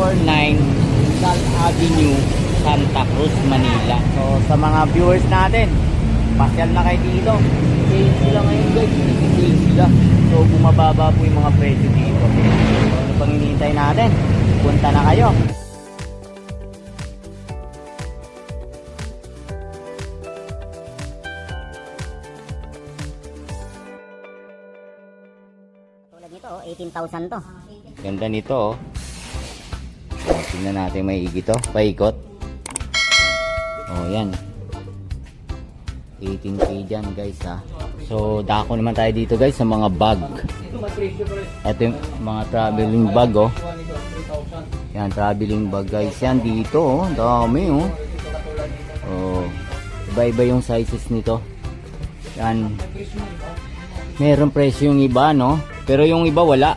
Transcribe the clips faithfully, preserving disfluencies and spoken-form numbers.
forty-nine Rizal Avenue, Santa Cruz, Manila. So sa mga viewers natin, pasyal na kayo dito. Sale sila ngayon guys, sale sila. So bumababa po yung mga presyo dito. So ano pang hinihintay natin? Punta na kayo. Nito, eighteen thousand to. Ganda nito oh. Oh, tingnan natin may igi to, paikot. Oh, yan. eighteen K dyan guys ha. So, dako naman tayo dito guys sa mga bag. Ito yung mga traveling bag oh. Yan, traveling bag guys. Yan dito oh, dami oh. Oh, iba-iba yung sizes nito. Yan. Meron presyo yung iba no. Pero yung iba wala.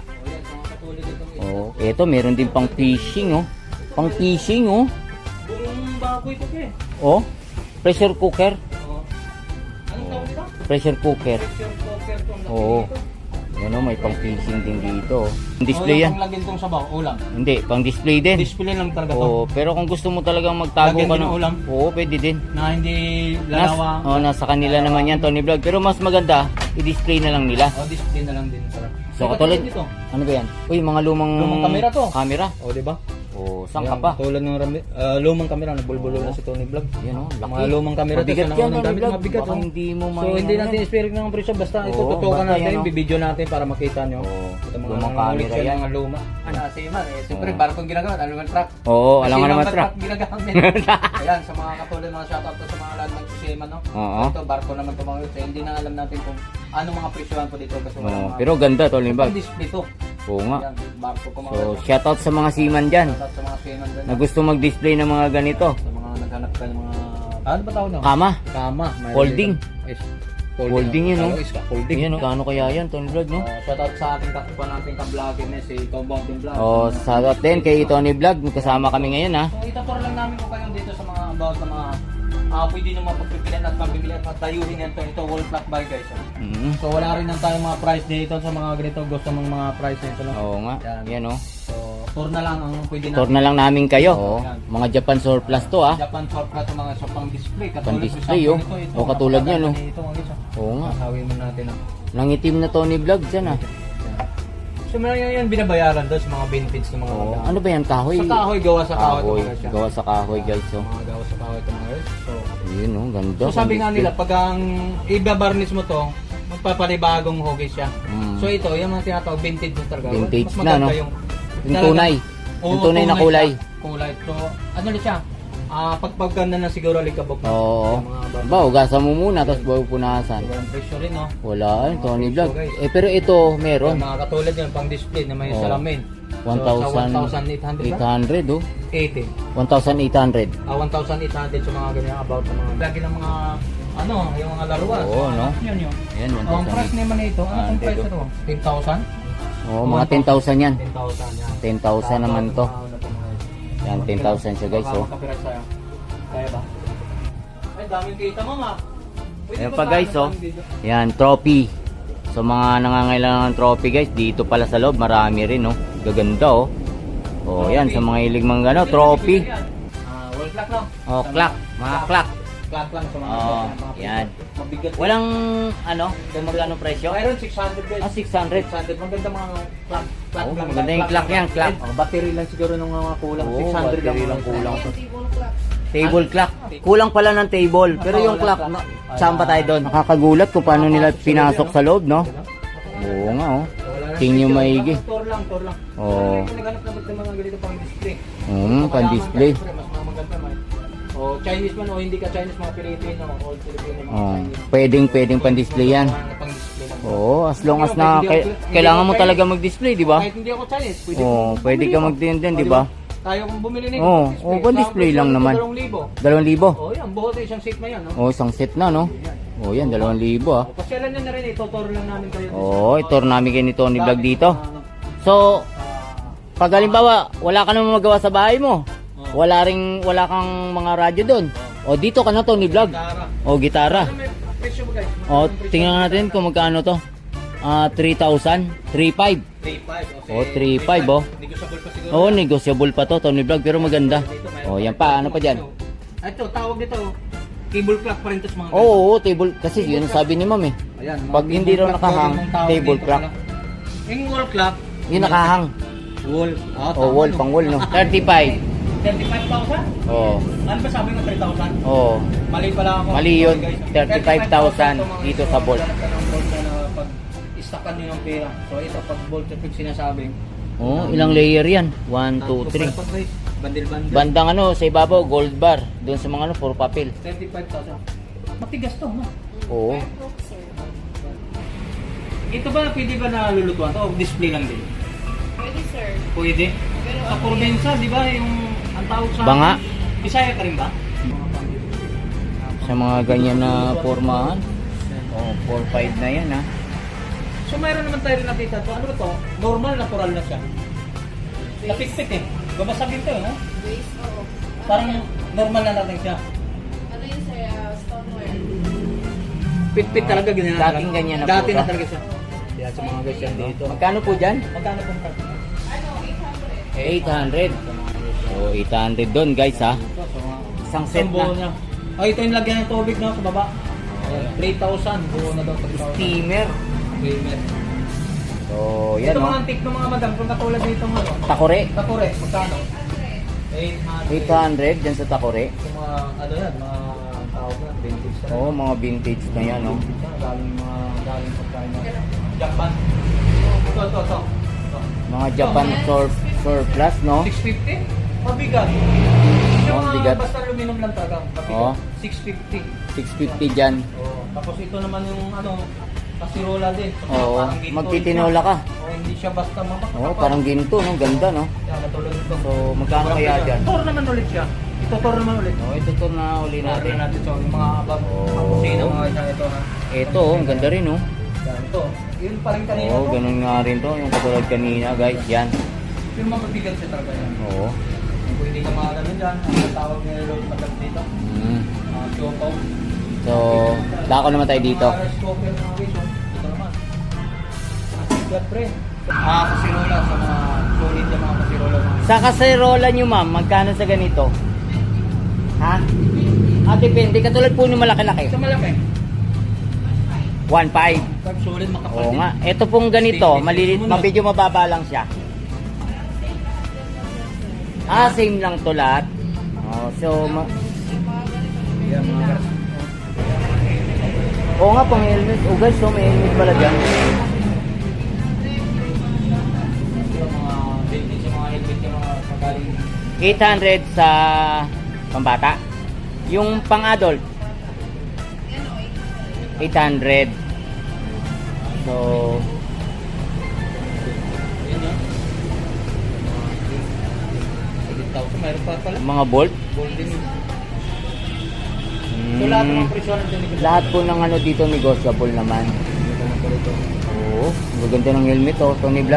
Oh, eto meron din pang fishing oh. Pang fishing oh. Buong baboy ko ke. Oh, pressure cooker. Oh. Anong tawag dito? Pressure cooker. Pressure cooker to. Oo. Yan oh, may pang fishing din dito. Display yan. Pang lagyan tong sabaw, ulam. Hindi, pang display din. Display lang talaga to. Oh, pero kung gusto mo talagang magtago Lagyan ka din ng ng ulam? Oo, pwede din. Na hindi Nas, lalawa. oh, nasa kanila naman yan, Tony Vlog. Pero mas maganda, i-display na lang nila. Oh, display na lang din para. So katulad dito. Ano ba yan? Uy, mga lumang Lumang kamera to. Camera. Oh, di ba? Oh, saan ka pa? Tulad ng rami, uh, lumang kamera, nabulbulo na si Tony Vlog. Yan oh, laki. Mga lumang kamera to, Mabigat sa yan, naunang Tony gamit, Vlog. mabigat, Baka oh. hindi mo So may- hindi ano natin yan. i-spirit ng presyo, basta ito Oo, tutukan basta natin, yan, oh. bibidyo natin para makita nyo. Oo, Ito mga lumang mga camera ulit yan. mga luma. Ano, seaman eh. Siyempre, Oo. barkong ginagamit, ano naman truck. Oo, alam nga Kasi naman yung truck. ginagamit. Ayan, sa mga katulad mga shoutout to sa mga lahat ng seaman, no? Oo. Ito, barko naman ito mga ulit. Hindi na alam natin kung ano mga presyohan po dito. Kasi wala Oh, mga- pero ganda, Tony Ito Vlog. pang display to. Oo nga. Ayan, barko ko mga So, shoutout sa mga seaman dyan shoutout sa mga seaman dyan. na gusto mag-display ng mga ganito. Sa mga naghanap ka ng mga... Ano ba tawag na? Kama. Kama. mayroon Folding. dito. Yes. Folding yun, no? Ano is ka? Folding. Yan, kano kaya yan, Tony Vlog, no? Uh, shoutout sa ating kakupan natin ka-vlogger na si Compounding Vlog. Oh, shoutout din kay Tony Vlog. Kasama kami ngayon, ha? So itutur lang namin kung kayo dito sa mga about sa mga ah pwede nyo mapagpipilian at mabibili at matayuhin yan to. Ito wall clock buy guys. Oh. Mm. So wala rin lang tayong mga price dito sa mga ganito. Gusto mong mga price nito. No? Oo nga. Yan. Yan, oh. So tour na lang ang pwede Tour natin. na lang namin kayo. Oo. Oh, mga Japan surplus to, ha? Japan shop ka sa mga sa pang display. Katulad Pang ko display, sa oh. ito, ito, Oh, katulad yan, oh. Ito, ang isa. Oo nga. Masawin mo natin. Oh. Nangitim na Tony Vlog dyan, ha? So mga yan, yan binabayaran doon sa mga benefits ng mga Oo. magkano. Ano ba yan, kahoy? Sa kahoy, gawa sa kahoy. ito, Kahoy. mga siya. Gawa sa kahoy, guys, oh. Mga gawa sa kahoy ito mga guys. So, Yun, oh. Ganda. so sabi nga Pang nila, pag ang ibabarnis mo to, magpapanibagong hugis siya. Mm. So ito, yung mga tinatawag vintage na talaga. Vintage Mas na, maganda no? Yung, Yung tunay. Oo, Yung tunay na kulay. siya. Kulay. So, ano na siya? Ah, pagpaganda na siguro likabok na. Oo. Yung mga bar- Ba, ugasan mo muna, tapos bago punasan. So, walang presyo rin, no? Wala, eh, Tony So, Vlog. guys. Eh, pero ito, meron. Yung mga katulad yun, pang display na may Oo. salamin. one So, sa thousand one thousand eight hundred eight ba? hundred, oh. eighty. one thousand eight hundred. Ah, one thousand eight hundred sa mga ganyan about sa mga lagi ng mga ano, yung mga laruan. Oo, no? Yun yun. Yan, Oh, ang price one thousand eight. naman ito, ano ang price ito? ten thousand? Oo, mga ten thousand yan. ten thousand yan. ten thousand naman to. Yan, ten thousand siya, guys, oh. Makakapirate sa'yo. Kaya ba? Ay, daming kita mo, ma. Pwede Ayan ba pa, guys, paano oh. pang dito? Yan, trophy. So, mga nangangailangan ng trophy, guys, dito pala sa loob, marami rin, oh. Gaganda, oh. Oh, yan, sa mga hilig mga gano, trophy. Ah, wall clock, no? Oh, Sa clock, mga clock. Clock lang sa mga Oo, mga- yan. Mabigat. Walang, ano, kung magkano presyo? Mayroon six hundred guys. Ah, six hundred. six hundred. Maganda mga clock. Clock Oo, lang. maganda yung clock yan, clock. Oh, battery lang siguro nung mga kulang. Oo, six hundred lang. battery lang mga- kulang. Table clock. Kulang pala ng table. Pero yung clock, na, saan pa tayo doon? Nakakagulat kung paano nila pinasok sa loob, no? Oo nga, oh. Wala na Tingin nyo picture. maigi. Tour lang, tour lang. Oo. Pero naghanap na ba't ng mga ganito pang display? Hmm, pan-display. Mas mga maganda man. O Chinese man o hindi ka Chinese, mga Pilipino, all Filipino, mga Oh, Chinese. pwedeng, pwedeng pan-display yan. Mga pang-display lang. Oo, as long as na kay- kailangan mo talaga mag-display, di ba? Kahit hindi ako Chinese, pwede Oo, kong pwede bumili ka mo. mag-din din, O, di ba? Tayo kung bumili nito. Oo, pang-display. oo, pang-display Sa lang presyo naman. nito, dalawang libo. Dalawang libo. Oh, yan, buhat isang seat na yan, no? Oo, isang set na, no? Oo, yan, dalawang libo, ah. O, pasyalan nyo na rin, ituturo lang namin kayo. Oo, ito namin kay ni Tony Vlog dito. Ano, So, ah, pag halimbawa, wala ka naman magawa sa bahay mo. Wala ring, wala kang mga radyo doon. O, dito ka na, Tony Vlog. Tara. O, gitara. Ano may presyo ba guys? O, tingnan natin kung magkano to. Ah, three thousand, three five. three five. Oh, three five, oh. Negotiable pa siguro. Oo, negotiable pa to, Tony Vlog, pero maganda. Oh, yan pa, ano pa dyan? Ah, ito, tawag dito. Cable clock pa rin to sa mga Oo, oo, table, kasi yun ang sabi ni ma'am eh. Ayan, mga Pag hindi cable raw clock nakahang, daw yung tawag table dito clock. pala. Yung wall clock. Yung nakahang. Wall. Ah, Oh, wall, pang wall, no? thirty-five. thirty-five thousand? Oo. Ano ba sabi mo three thousand? Oo. Mali pala ako. Mali yun. Guys. thirty-five thousand dito sa bolt. Ganap ka ng bolt na pag istakan nyo ng pera. So ito, pag bolt yung sinasabi. Oh, ilang layer yan? one, two, three. Bandil-bandil. Bandang ano, sa ibabaw, gold bar. Doon sa mga ano, puro papel. thirty-five thousand. Matigas to, no? Oo. Ito ba, pwede ba nalulutuan to? O display lang din? Pwede, sir. Pwede. Pero Sa probinsya, di ba, yung ang tawag sa... Banga. Bisaya ka rin ba? Sa mga ganyan na formahan. Oh, four five na yan ha. So mayroon naman tayo rin nakita to. Ano ba to? Normal, natural na siya. Napikpik eh. Babasagin to, no? base, oo. Parang normal na natin siya. Ano yun, sir? Uh, stoneware. Pitpit talaga ganyan. Dating ganyan na po Dati to. na talaga siya. Kaya sa mga guys yan dito. Magkano po dyan? Magkano pong price? Ano, eight hundred. eight hundred. So, eight hundred doon guys ha. Ito, so, mga Isang set buo na. niya. Ay, ito yung lagyan ng tubig no, sa baba. three thousand. Buo na daw. three thousand. Steamer. Steamer. So, yan Ito o. mga antik ng mga madam. Kung katulad dito ano. Takore. Takore, magkano? eight hundred. eight hundred dyan sa Takore. Yung mga, ano yan, mga tawag na, vintage na. Oo, mga vintage na yan oh. Galing mga, galing pagkain na. Japan. Ito, ito, ito. Ito. Mga Japan surf, surplus no? six fifty? Mabigat. Yung Oh, mga bigat. basta aluminum lang talaga. Mabigat. Oh. six fifty. six fifty dyan. Oh. Tapos ito naman yung ano, kasirola din. So, Oo, parang ginto magtitinola siya. ka. Oh, hindi siya basta mapakapal. Oo, parang ginto no? Ganda no? Yan, katulad ito. So, magkano kaya dyan? Tour naman ulit siya. Ito tour naman ulit. Oh, ito to na uli Natin natin. natin so, yung mga abang Oh. mga kusina mga isang ito ha. Ito oh, ang ganda rin oh. Yan, ito. Yun pa rin kanina Oo, to. ganun nga rin to. Yung katulad kanina guys, yan. Yung mapabigat siya talaga yan. Oo. Kung hindi ka makaganon dyan, ang tawag nila load padag dito. Mm. Mga choco. So, dako naman tayo dito. Mga rice cooker, mga wiso. Ito naman. Bigat pre. Ah, kasirola sa mga solid yung mga kasirola. Mga Sa kaserola nyo ma'am, magkano sa ganito? Ha? Ah, depende. Katulad po yung malaki-laki. sa malaki. one five. Pag solid makapal Oo din. nga. Ito pong ganito, malilit, medyo mababa lang siya. Ah, same lang to lahat. Oh, so, ma- Yan, mga gas. oo nga, pang helmet. Oh guys, so may helmet pala dyan. Yung mga vintage, yung mga helmet, yung mga pagaling. eight hundred sa pambata. Yung pang-adult, eight hundred. So, Yan yun. eight thousand, mayroon pa pala. mga bolt. Golden yun. So lahat ng Mm, mga presyo nandun ni lahat po ng ano dito negotiable naman. Oo, maganda ng helmet oh, Tony Vlog.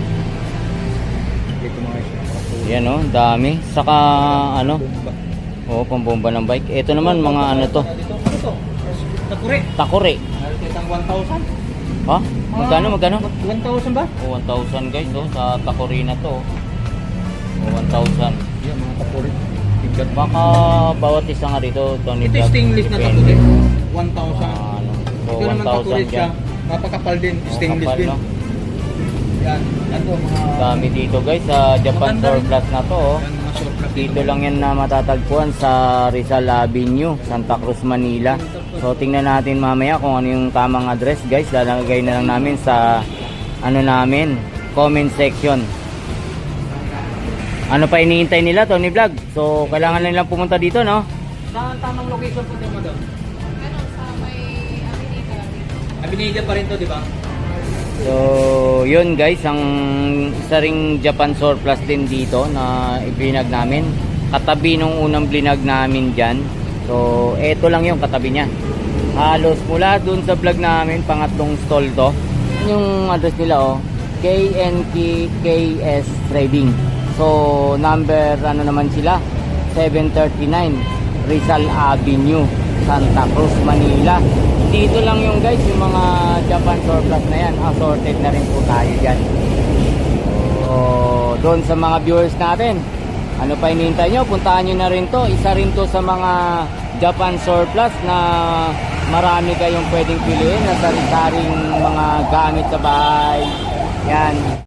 Dito mga isyo. Yan oh, dami. Saka ano, oh, pambomba ng bike. Ito naman mga ano to, Dito, ano to? Takure. Takore. Meron kitang one thousand. Ha? Magkano, magkano? one thousand ba? Oh, one thousand guys oh, sa Takore na to. Oh, one thousand. Yan, mga takure. Bigat. Baka bawat isa nga rito, Tony Ito Vlog. yung stainless na depende. takure. one thousand. Ah, ano. So, Ito naman one thousand takure siya. dyan. Mapakapal din. Oh, Stainless kapal, din. no? Yan. Yan to, mga... Dami dito guys sa Japan Maganda rin. surplus na to oh. Yan, mga surplus Dito lang yan na matatagpuan sa Rizal Avenue, Santa Cruz, Manila. So tingnan natin mamaya kung ano yung tamang address guys. Lalagay na lang namin sa ano namin, comment section. Ano pa iniintay nila, Tony Vlog? So kailangan na nilang pumunta dito, no? Saan tamang location po ito, madam? Ano, sa may Avenida. Abinida pa rin to, di ba? So yun guys, ang isa ring Japan surplus din dito na ibinag namin. Katabi nung unang blinag namin dyan. So eto lang yung katabi niya. Halos mula dun sa vlog namin, pangatlong stall to. Yung address nila oh, K N K K S Trading. So number ano naman sila, seven thirty-nine Rizal Avenue, Santa Cruz, Manila. Dito lang yung guys, yung mga Japan surplus na yan. Assorted na rin po tayo dyan. So, doon sa mga viewers natin, ano pa hinihintay nyo? Puntahan nyo na rin to. Isa rin to sa mga Japan surplus na marami kayong pwedeng piliin na sari-saring mga gamit sa bahay. Yan.